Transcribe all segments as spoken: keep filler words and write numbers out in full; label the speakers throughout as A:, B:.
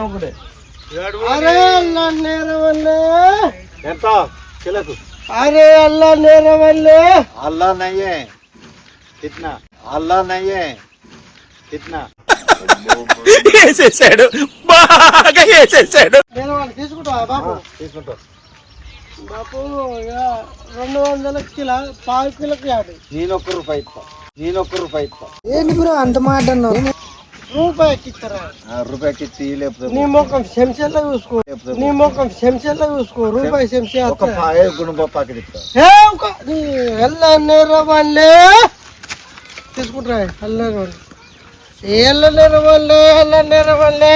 A: ఒకటే
B: अरे अल्लाह नेरे वाले
A: ఎంత కిలకు
B: अरे अल्लाह नेरे वाले
A: अल्लाह नहीं है कितना अल्लाह नहीं है कितना
C: వేసేసాడు బాగా వేసేసాడు
B: నేను వాళ్ళు తీసుకుంటావా బాబు
A: తీసుకుంటా
B: బాబు ఇక రెండు వందల కిలో పావు కిలోకి యాభై
A: నేను ఒక్క రూపాయి ఇస్తా నేను ఒక్క రూపాయి ఇస్తా
B: ఏంటి బ్రో అంత మాట అన్నావు రూపాయికి ఇస్తారా
A: రూపాయికి ఇచ్చి లేకపోతే
B: నీ ముఖం చెంచాలో చూసుకో నీ ముఖం చెంచాలో చూసుకో రూపాయి చెంచా
A: ఒక పాయ గుణప ప్యాకెట్ ఇస్తా
B: ఎల్ల నేర వాళ్ళే తీసుకుంటారా ఎల్ల వాళ్ళు ఎల్ల నేర వాళ్ళే ఎల్ల నేర వాళ్ళే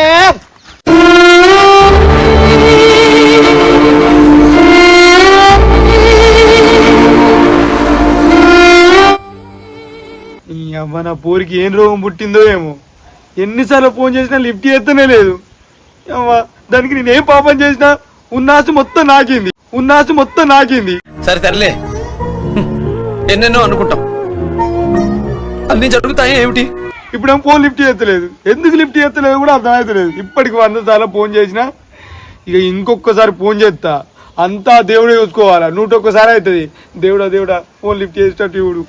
C: మన పూరికి ఏం రోగం పుట్టిందో ఏమో ఎన్నిసార్లు ఫోన్ చేసినా లిఫ్ట్ చేస్తూనే లేదు దానికి నేనేం పాపం చేసినా ఉన్నాసు మొత్తం నాకింది ఉన్నాసు మొత్తం నాకింది
D: సరే తరలే ఎన్నెన్నో అనుకుంటాం అన్ని జరుగుతాయి ఏమిటి
C: ఇప్పుడు ఏం ఫోన్ లిఫ్ట్ చేస్తలేదు ఎందుకు లిఫ్ట్ చేస్తలేదు కూడా అర్థమవుతలేదు ఇప్పటికి వంద సార్లు ఫోన్ చేసినా ఇక ఇంకొకసారి ఫోన్ చేస్తా అంతా దేవుడే చూసుకోవాలా నూట ఒక్కసారి అవుతుంది దేవుడా దేవుడా ఫోన్ లిఫ్ట్ చేసేటట్టు ఇవుడు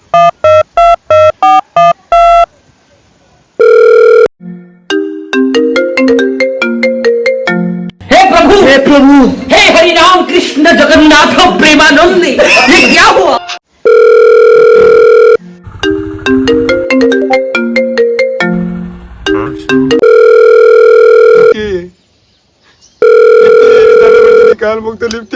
E: हे प्रभु हे हरि राम कृष्ण जगन्नाथ प्रेमानंद ये क्या हुआ
C: काल मुक्त लिफ्ट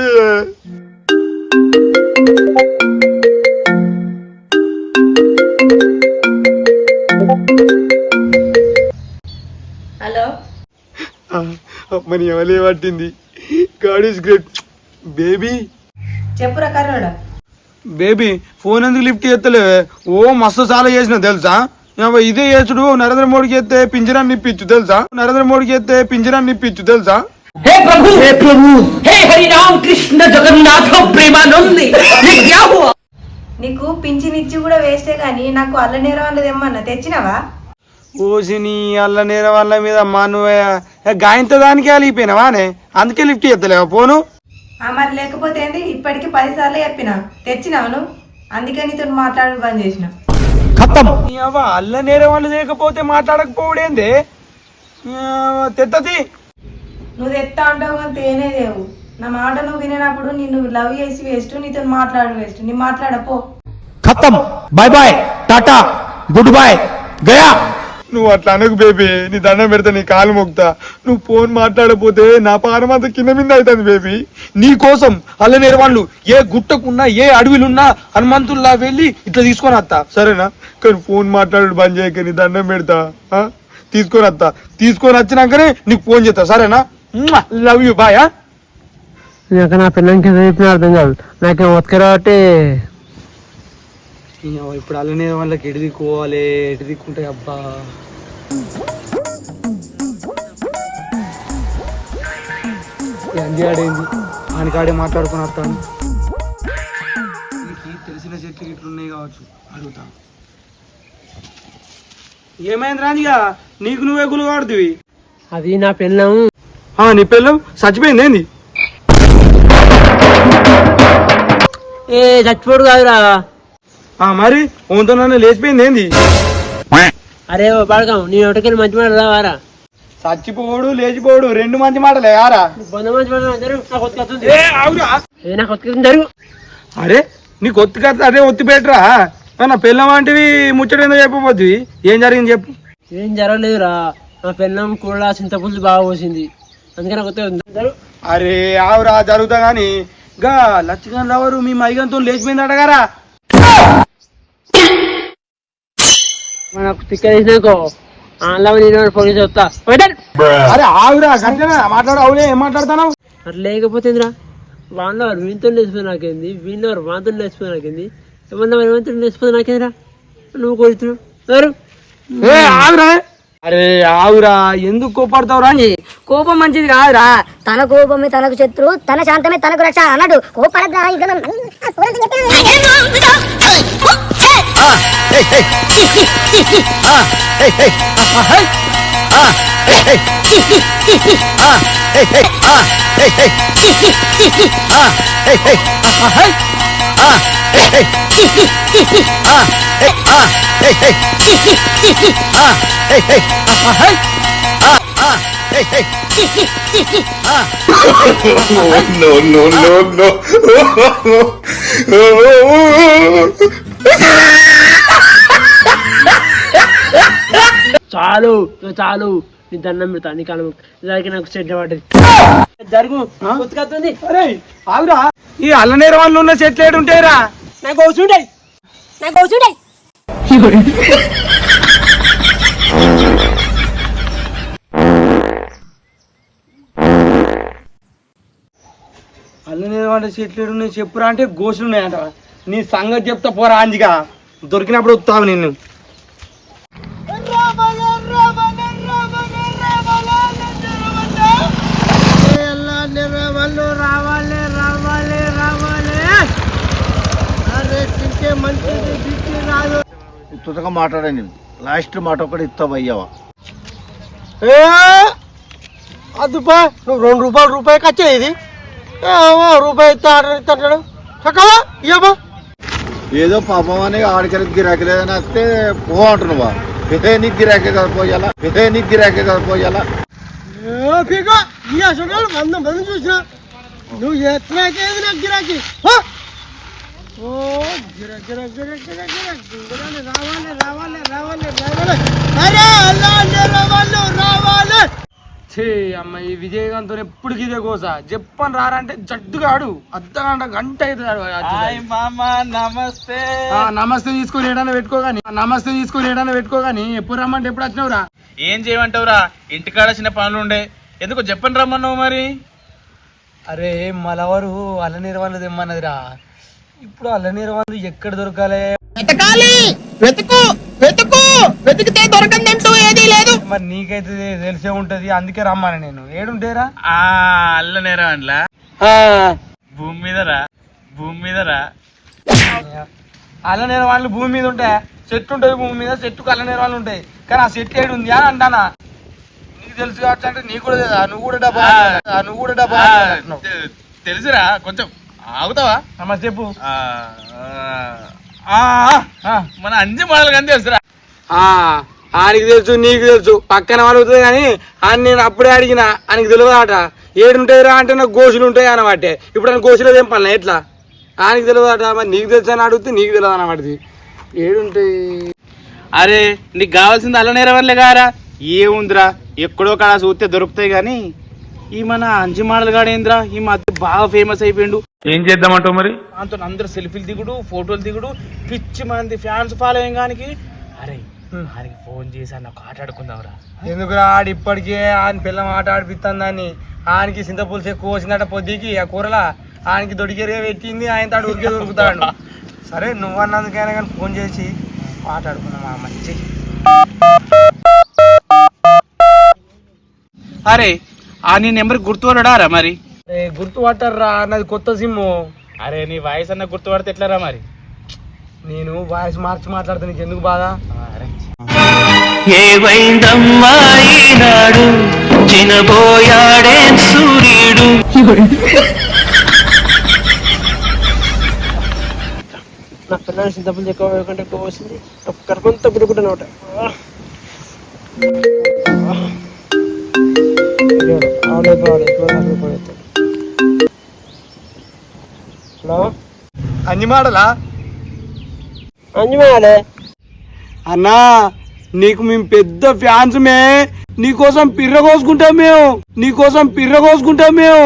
F: హలో
C: అమ్మని ఎవలే పట్టింది గాడ్ ఈస్ గ్రేట్ బేబీ
F: చెప్పురా కర్రోడా
C: బేబీ ఫోన్ ఎందుకు లిఫ్ట్ చేస్తలే ఓ మస్తు చాలా చేసిన తెలుసా ఇదే చేసుడు నరేంద్ర మోడీకి ఎత్తే పింజరాన్ని నిప్పించు తెలుసా నరేంద్ర మోడీకి ఎత్తే పింజరాన్ని నిప్పించు తెలుసా
E: हे प्रभु हे प्रभु हे हरि राम कृष्ण जगन्नाथ प्रेमानंद ये क्या हुआ
F: నీకు పింఛనిచ్చి కూడా వేస్టే కానీ నాకు అల్ల నేరం అన్నది ఏమన్నా తెచ్చినావా
C: ఓసిని అల్ల నేర వాళ్ళ మీద మా నువ్వు గాయంతో దానికి అలిగిపోయినావానే అందుకే లిఫ్ట్ చేస్తలేవా ఫోను
F: ఆ మరి లేకపోతే ఏంది ఇప్పటికి పది సార్లు చెప్పినా తెచ్చినావు నువ్వు అందుకే నీతో మాట్లాడడం బంద్ చేసిన
C: అల్ల నేర వాళ్ళు లేకపోతే మాట్లాడకపోవడేంది తెత్తది
F: నువ్వు తెత్తా అంటావు కానీ తేనే లేవు నా మాట నువ్వు వినేటప్పుడు నిన్ను లవ్ చేసి వేస్ట్ నీతో మాట్లాడు వేస్ట్ నీ మాట్లాడపో
C: ఖతం bye bye tata good bye గయా నువ్వు అట్లా అనకు బేబీ నీ దండం పెడతా నీ కాలు మొక్తా నువ్వు ఫోన్ మాట్లాడపోతే నా పానం అంతా కింద మీద అవుతుంది బేబీ నీ కోసం అల్ల నేర వాళ్ళు ఏ గుట్టకున్నా ఏ అడవిలున్నా హనుమంతుల్లా వెళ్ళి ఇట్లా తీసుకొని వస్తా సరేనా కానీ ఫోన్ మాట్లాడు బంద్ చేయక నీ దండం పెడతా తీసుకొని వస్తా తీసుకొని వచ్చినాకనే నీకు ఫోన్ చేస్తా సరేనా లవ్ యూ బాయ్
B: నాకు నా పిల్లలకి చెప్పిన అర్థం కాదు నాకేం ఒత్తుకరా అంటే
C: ఇప్పుడు అల్లనే వాళ్ళకి ఎటు దిక్కుకోవాలి ఎటు దిక్కుంటాయి అబ్బా అంది ఆడేంది ఆనికాడే మాట్లాడుకుని వస్తాను నీకు తెలిసిన చెట్లు ఇట్లున్నాయి కావచ్చు అడుగుతా ఏమైంది రానిగా నీకు నువ్వే గులు వాడుతుంది
B: అది నా పిల్లం
C: నీ పిల్లం చచ్చిపోయింది ఏంది
B: ఏ చచ్చిపోడు కాదురా
C: మరి ఓంతో నన్ను లేచిపోయింది ఏంది
B: అరే పడకం నీ ఒకటికెళ్ళి మంచి మాట రావారా
C: చచ్చిపోడు లేచిపోడు రెండు మంచి మాటలే యారా
B: వంద మంచి మాట నాకు జరుగు
C: అరే నీకు ఒత్తి కథ అదే ఒత్తి పెట్టరా నా పిల్లం వంటివి ముచ్చట ఏందో చెప్పబోద్ది ఏం జరిగింది చెప్పు
B: ఏం జరగలేదురా నా పిల్లం కూడా చింతపులుసు బాగా పోసింది అందుకని కొత్త
C: అరే ఆవురా జరుగుతా గాని గా లచ్చగన్ లవరు మీ మైగంతో లేచిపోయింది అడగారా
B: మనకు తిక్కలేసినాకో ఆన్లైన్ నేను ఫోన్ చేసి వస్తా
C: అరే ఆవురా గంటనా మాట్లాడు అవునే ఏం మాట్లాడుతున్నావు
B: అట్లా లేకపోతే వాళ్ళ వీళ్ళతో లేచిపోయి నాకేంది వీళ్ళు వాళ్ళతో లేచిపోయి నాకేంది ఏమన్నా ఏమంతా లేచిపోతే నాకేందిరా నువ్వు కోరుతున్నావు
C: ఆవురా అరే ఆవురా ఎందుకు కోపడతావురా
G: కోపం మంచిది కాదురా తన కోపమే తనకు శత్రు తన శాంతమే తనకు రక్ష అన్నాడు కోపడద్దా
C: no, no, no, no.
B: చాలు ఇక చాలు నీ దండం పెడతా నీ కాలం దానికి నాకు చెడ్డ పడ్డది జరుగు ఉతుకత్తుంది
C: అరే ఆగురా, ఈ అల్లనేర వాళ్ళు ఉన్న చెట్లు ఏడు ఉంటాయిరా?
B: నాకు కూర్చుంటాయి నాకు కూర్చుంటాయి
C: అల్లనేర వాళ్ళ చెట్లు ఏడు ఉన్నాయి చెప్పురా అంటే గోసులు ఉన్నాయంట. నీ సంగతి చెప్తా పోరా అంజిగా, దొరికినప్పుడు వస్తావు నిన్ను.
B: రావాలి రావాలి రావాలి అరే తింటే మంచిది బిక్కి రాదు
A: తుతగా మాట్లాడండి, లాస్ట్ మాట ఒకటి ఇస్తావు అయ్యావా?
B: అదుపా నువ్వు రెండు రూపాయలు రూపాయి ఖర్చు ఇది రూపాయి ఇస్తా ఇస్తాడు చక్కవా ఇయ్యబా
A: ఏదో పాపం అని ఆడికి గిరాకీ లేదని వస్తే పో అంటున్నావా? ఇదే నీకు గిరాకీ కదా పోయాలా, ఇదే నీకు గిరాకీ కదా పోయాలా?
B: వంద మంది చూసినా నువ్వు ఎట్లాకేది నాకు గిరాకీ ఓ గిరా గిరా గిరా గిరా గిరా గిరాలు రావాలి రావాలి రావాలి రావాలి అరే అల్లా వాళ్ళు రావాలి.
C: ఛే అమ్మ, ఈ విజయకాంత్ ఎప్పుడు ఇదే కోసా చెప్పని రారంటే జడ్డుగాడు అర్ధగంట గంట అవుతుంది.
D: నమస్తే
C: నమస్తే తీసుకొని ఏడైనా పెట్టుకోగాని నమస్తే తీసుకొని ఏడైనా పెట్టుకోగాని ఎప్పుడు రమ్మంటే ఎప్పుడు వచ్చినావురా?
D: ఏం చేయమంటావురా, ఇంటికాడ చిన్న పనులు ఉండే, ఎందుకు చెప్పని రమ్మన్నావు మరి?
C: అరే మలవరు అల్లనీరు వాళ్ళు తెమ్మన్నదిరా. ఇప్పుడు అల్లనీరు వాళ్ళు ఎక్కడ దొరకాలి?
E: వెతకాలి, వెతుకు వెతుకు వెతికితే దొరకందంటూ ఏదీ లేదు.
C: మరి నీకైతే తెలిసే ఉంటది, అందుకే రమ్మని నేను. ఏడుంటేరా?
D: ఆ అల్లనేరా అండ్లా భూమి మీదరా భూమి మీదరా
C: అల్లనీరు వాళ్ళు భూమి మీద ఉంటాయి, చెట్టు ఉంటుంది భూమి మీద, చెట్టుకు అల్లనీరు వాళ్ళు ఉంటాయి. కానీ ఆ చెట్టు ఏడు ఉంది అని అంటానా? నీకు తెలుసు కాబట్టి అంటే నీకు కూడా తెలుసా? నువ్వు కూడా డబ్బా నువ్వు కూడా డబ్బా
D: తెలుసురా, కొంచెం ఆగుతావా?
C: మరి చెప్పు.
D: మన అంజి మోడల్ కానీ తెలుసురా.
C: ఆయనకి తెలుసు, నీకు తెలుసు, పక్కన అడుగుతుంది కానీ ఆయన నేను అప్పుడే అడిగిన ఆయనకి తెలియదట. ఏడుంటాయిరా అంటే నాకు గోసులు ఉంటాయి అనమాట. ఇప్పుడు ఆయన గోసులో ఏం పని ఎట్లా ఆయనకి తెలియదట. మరి నీకు తెలుసు అని అడిగితే నీకు తెలియదు అనమాట. ఏడుంటాయి?
D: అరే నీకు కావాల్సింది అల్లనేర వరలే కారా, ఏముందిరా ఎక్కడో కాడ చూస్తే దొరుకుతాయి. కానీ ఈ మన అంజి మోడల్ గాడు ఏంద్రా ఈ మధ్య బాగా ఫేమస్ అయిపోయిండు.
C: ఏం చేద్దామంటావు మరి?
D: దాంతో అందరు సెల్ఫీలు దిగుడు, ఫోటోలు దిగుడు, పిచ్చి మంది ఫ్యాన్స్ ఫాలోయింగ్ గానికి. అరే ఆయనకి ఫోన్ చేసి అన్న ఒక ఆట ఆడుకుందాంరా.
C: ఎందుకురా? ఆడి ఇప్పటికే ఆయన పిల్లం ఆట ఆడిపిస్తాను దాన్ని. ఆయనకి చింతపులుసు ఎక్కువ వచ్చిందట పొద్దుకి ఆ కూరలా. ఆయనకి దొడికేరే పెట్టింది, ఆయన తాడు ఉరికే దొరుకుతాడు. సరే నువ్వు అన్నందుకైనా కానీ ఫోన్ చేసి మాట్లాడుకున్నాం ఆ మంచి.
D: అరే ఆ నీ నెంబర్ గుర్తుపడడారా మరి?
C: గుర్తుపట్టారా? నాది కొత్త సిమ్ము.
D: అరే నీ వాయిస్ అన్న గుర్తుపడితే ఎట్లారా మరి?
C: నేను వాయిస్ మార్చి మాట్లాడితే నీకు ఎందుకు బాధ?
E: ఏవైందమ్మా ఈనాడు చినబోయాడే సూర్యుడు.
B: నా పిల్లలు చింతపల్లి ఎక్కువ కంటే ఎక్కువ వచ్చింది కరకంతా గురుకుంటాను ఒకట. హలో
C: అన్ని మాటలా
B: అంజమాలే
C: అన్నా, నీకు మేము పెద్ద ఫ్యాన్స్ మే. నీకోసం పిర్ర కోసుకుంటాం మేము, నీకోసం పిర్ర కోసుకుంటాం మేము.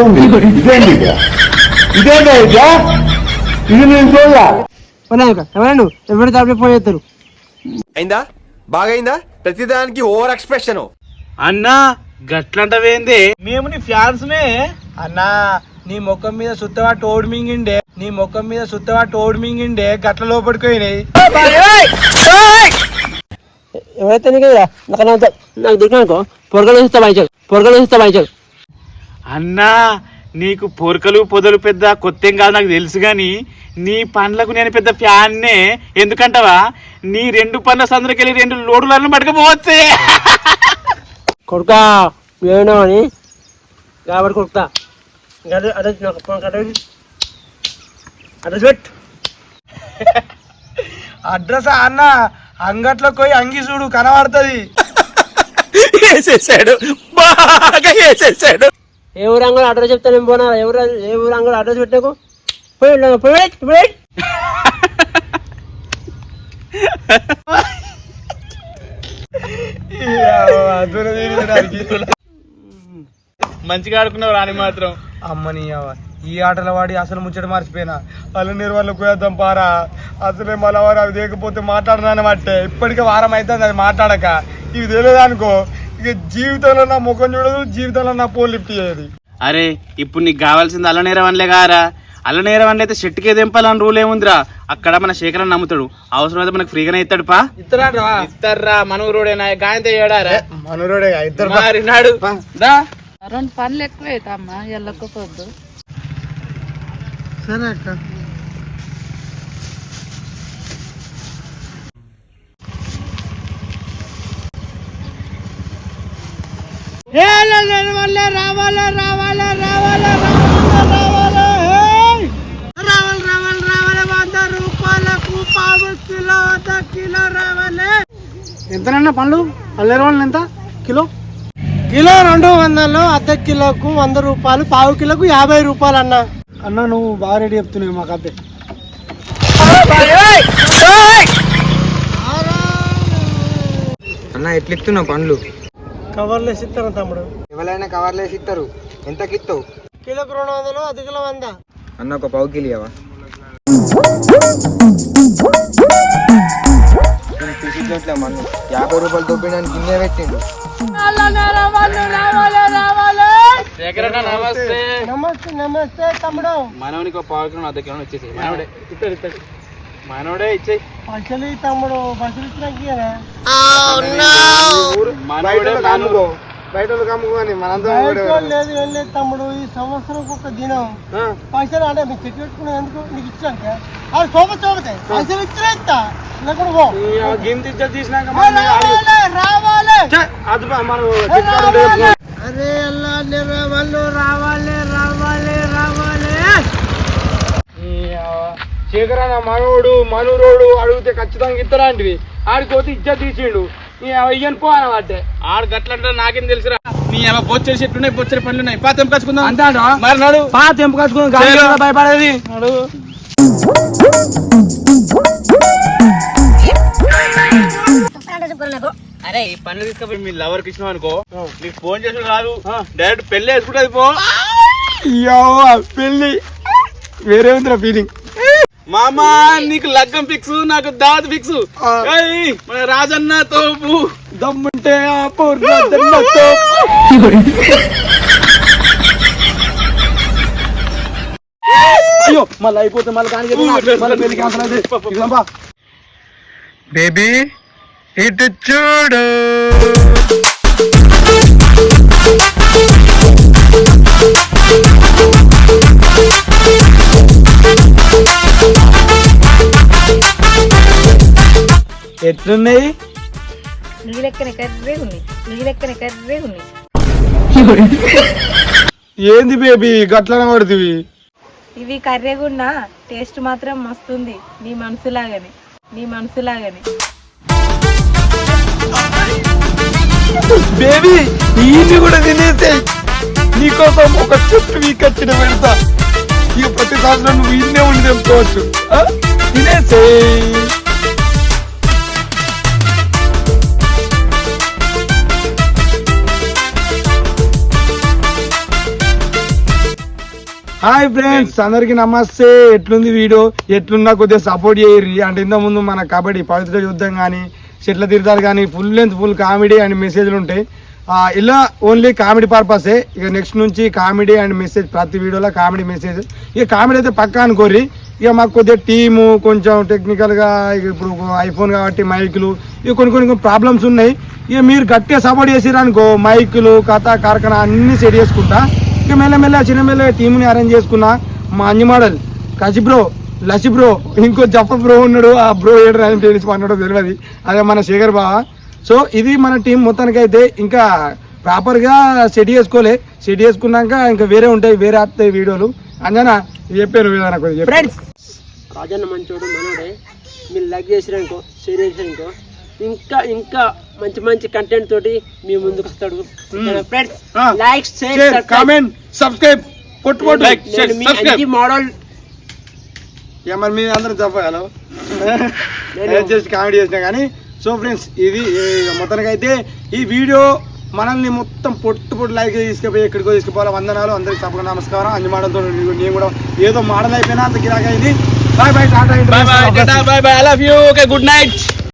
B: ఎవరైనా ఎవరి దాంట్లో ఫోన్ చేస్తారు?
H: అయిందా? బాగైందా? ప్రతిదానికి ఓవర్ ఎక్స్ప్రెషన్.
D: అన్నా గట్లంటవేంది, మేము నీ ఫ్యాన్స్ మే.
C: అన్నా నీ ముఖం మీద సుత్తవా టోడ్ మింగిండే, నీ ముఖం మీద సుత్తవా టోడ్ మింగిండే గట్ల లోపడిపోయినాయి.
B: ఎవరైతే నీకు నాకు నాకు దొరికినాకో పొరగలు వేస్తా వాయించాలి, పొరగలు వేస్తా వాయించాలి.
D: అన్నా నీకు పొరకలు పొదలు పెద్ద కొత్త ఏం కాదు నాకు తెలుసు. గాని నీ పండ్లకు నేను పెద్ద ఫ్యాన్నే. ఎందుకంటావా? నీ రెండు పండ్ల సందరికెళ్ళి రెండు లోడులను పట్టుకపోవచ్చే.
B: కొడుకా ఏమో అని కాబట్టి కొడుకుతా అదే అదే నాకు ఫోన్ కట్ట అడ్రస్ పెట్టు.
C: అడ్రస్ అన్న అంగట్లోకి పోయి అంగి చూడు కనబడుతుంది.
H: వేసేసాడు బాగా వేసేసాడు.
B: ఏ ఊరు అంగడి అడ్రస్ చెప్తాను ఏం పోనా ఎవరు ఏ ఊరు అంగడి అడ్రస్ పెట్టాకు పోయి పోయి పోయి
D: మంచిగా ఆడుకున్నావు రాని మాత్రం.
C: అమ్మని ఈ ఆటల వాడి అసలు ముచ్చట మర్చిపోయినా అల్లు నిర్వహణకు పోయేద్దాం పారా. అసలే మళ్ళీ వారు అవి లేకపోతే మాట్లాడదానమాటే ఇప్పటికే వారం అవుతుంది అది మాట్లాడక. ఇవి తెలియదు అనుకో ఇక జీవితంలో నా ముఖం చూడదు, జీవితంలో నా ఫోన్ లిఫ్ట్ చేయదు.
D: అరే ఇప్పుడు నీకు కావాల్సింది అల్లనేరవన్లే కారా. అల్లనేరవన్లు అయితే షెట్కే దింపాలని రూల్ ఏముందిరా. అక్కడ మన శేఖరన్ నమ్ముతాడు, అవసరమైతే మనకు ఫ్రీగానే ఇస్తాడు. పా
C: ఇస్తారా
D: ఇస్తారా మనూరోడేనా గాయంతో ఏడారా
C: మనోడే ఇద్దరు
D: మారినాడు. దా
I: రెండు పనులు ఎక్కువ అవుతామ్మా ఎల్లకపోద్దు.
B: సరే అక్క రావాలే రావాలే రావాలే రావాలే రావాలే రావాలి రావాలి రావాలి వంద రూపాయలకు పావు కిలో అర్ధ కిలో రావాలి. ఎంతనన్నా పండ్లు అల్లెర వాళ్ళు ఎంత కిలో? కిలో రెండు వందలు, అర్ధ కిలోకు వంద రూపాయలు, పావు కిలోకు యాభై రూపాయలు అన్న. అన్న నువ్వు బాగా రెడీ చెప్తున్నావు మాకు అద్దె.
C: అన్న ఎట్లా ఇస్తున్నావు పండ్లు?
B: కవర్లు వేసి ఇస్తాను తమ్ముడు.
C: ఎవరైనా కవర్లు వేసి ఇస్తారు. ఎంతకి ఇస్తావు?
B: కిలోకు రెండు వందలు, అర్ధ కిలో వంద.
C: అన్న ఒక పావు కిలో ఇవ్వవా? మన్ను యాభై రూపాయలు దొబ్బినానికి గిన్నె పెట్టిండు.
D: నమస్తే
B: నమస్తే నమస్తే తమ్ముడు.
D: మనవనికి ఒక పావు కిలో అర్ధ కిలో ఇచ్చేసి మనోడే ఇస్తాడు ఇస్తాడు మనోడే ఇచ్చేయి.
B: పైసలు తమ్ముడు పైసలు ఇచ్చినా
D: మనోడే
C: బయట కమ్ముకోని మనంతా
B: లేదు ఏం లేదు తమ్ముడు. ఈ సంవత్సరం ఒక దినం పైసలు అంటే మీకు చెట్టు పెట్టుకున్నావు ఎందుకు నీకు ఇచ్చాక అది సోప చూపతాయి పైసలు ఇచ్చినా ఇస్తా లేకుండా పో.
C: గింత ఇచ్చేది తీసినాక
B: రావాలి
C: అది మనం
B: అరే వాళ్ళు రావాలి రావాలి రావాలి.
C: శేఖరన్న మనోడు మనూరోడు అడిగితే ఖచ్చితంగా ఇస్తారా అంటివి. ఆడిపోతే ఇజ్జత్ తీసిండు. ఇయ్యను పో అనమాట.
D: ఆడు గట్లంటే నాకేం తెలుసురా. నీ ఏమో బొచ్చడి చెట్లు ఉన్నాయి, బొచ్చడి పండ్లు ఉన్నాయి. పా తెంపుకొచ్చుకుందాం
B: అంటాడు.
D: మరి నాడు
B: పా తెంపుకొచ్చుకుందాం భయపడేది.
D: అరే ఈ పండ్లు తీసుకపోయి మీ లవర్కి ఇచ్చినావు అనుకో, నీకు ఫోన్ చేసి కాదు డైరెక్ట్ పెళ్లి వేసుకుంటుంది. పో
C: పెళ్ళి వేరే ఉందిరా ఫీలింగ్.
D: మామా నీకు లగ్గం ఫిక్స్, నాకు దావత్ ఫిక్స్. మన రాజన్న తోపు
C: దమ్ముంటే అయ్యో మళ్ళీ అయిపోతే మళ్ళీ కానీ బేబీ ఇటు చూడు. ఎట్లున్నాయి?
F: నీ లెక్కన కర్రే ఉన్నాయి, నీ లెక్కన కర్రే ఉన్నాయి.
C: ఏంది బేబీ గట్లనే పడుతుంది?
F: ఇవి కర్రేగున్నా టేస్ట్ మాత్రం మస్తుంది. నీ మనసులాగానే నీ మనసులాగానే
C: బేబీ ఇది కూడా తినేసాయి. నీకోసం ఒక చెట్టు వీకొచ్చిన పెడతా. ఇక ప్రతి సంవత్సరం నువ్వు ఇన్నే ఉండి తెంపుకోవచ్చు. తినేసేయి. హాయ్ ఫ్రెండ్స్, అందరికి నమస్తే. ఎట్లుంది వీడియో? ఎట్లున్నా కొద్దిగా సపోర్ట్ చేయర్రి. అంటే ఇంత ముందు మన కబడ్డీ పవిత్ర యుద్ధం కానీ చెట్ల తీర్థాలు కానీ full length full comedy and మెసేజ్లు ఉంటాయి. ఇలా ఓన్లీ కామెడీ పర్పసే. ఇక నెక్స్ట్ నుంచి కామెడీ అండ్ మెసేజ్, ప్రతి వీడియోలో కామెడీ మెసేజ్. ఇక కామెడీ అయితే పక్కా అనుకోర్రి. ఇక మాకు కొద్దిగా టీము కొంచెం టెక్నికల్గా ఇక ఇప్పుడు ఐఫోన్ కాబట్టి మైకులు ఇక కొన్ని కొన్ని ప్రాబ్లమ్స్ ఉన్నాయి. ఇక మీరు గట్టిగా సపోర్ట్ చేసిర్రు అనుకో, మైకులు కథ కార్ఖానా అన్నీ సెట్ చేసుకుంటా. ఇక మెల్లమెల్ల చిన్న మెల్ల టీంని అరేంజ్ చేసుకున్నా. మా అంజి మోడల్, కసి బ్రో, లసి బ్రో, ఇంకో జప్ప బ్రో ఉన్నాడు. ఆ బ్రో ఏడు రాజం తెలిసి అన్నాడో తెలియదు. అదే మన శేఖర్ బావ. సో ఇది మన టీం మొత్తానికి అయితే. ఇంకా ప్రాపర్గా సెట్ చేసుకోలే. సెట్ చేసుకున్నాక ఇంకా వేరే ఉంటాయి, వేరే వస్తాయి వీడియోలు. అంజనా చెప్పాను ఏదైనా కొద్దిగా
B: ఫ్రెండ్స్ రాజన్న మంచోడు మనోడే. మీరు లైక్ చేసిరనుకో, షేర్ చేసిరనుకో, ఇంకా ఇంకా మంచి మంచి కంటెంట్ తోటి మీ ముందుకు వస్తాడు. Friends like share
C: comment subscribe కొట్టు కొట్టు
D: లైక్ షేర్ సబ్స్క్రైబ్
B: మోడల్.
C: ఇక మరి మీరు అందరూ చెప్పాలి జస్ట్ కామెడీ చేసినా కానీ. సో ఫ్రెండ్స్ ఇది మొత్తానికి అయితే ఈ వీడియో మనల్ని మొత్తం పొట్టు పొట్టు లైక్ తీసుకుపోయి ఎక్కడికో తీసుకుపోవాలి. వందనాలు అందరికి తప్పకుండా నమస్కారం. అన్ని మాటలతో నేను కూడా ఏదో మాటలు అయిపోయినా అంత గిరాకైంది. Bye bye tata.
D: Bye bye bye bye I love you. Okay good night.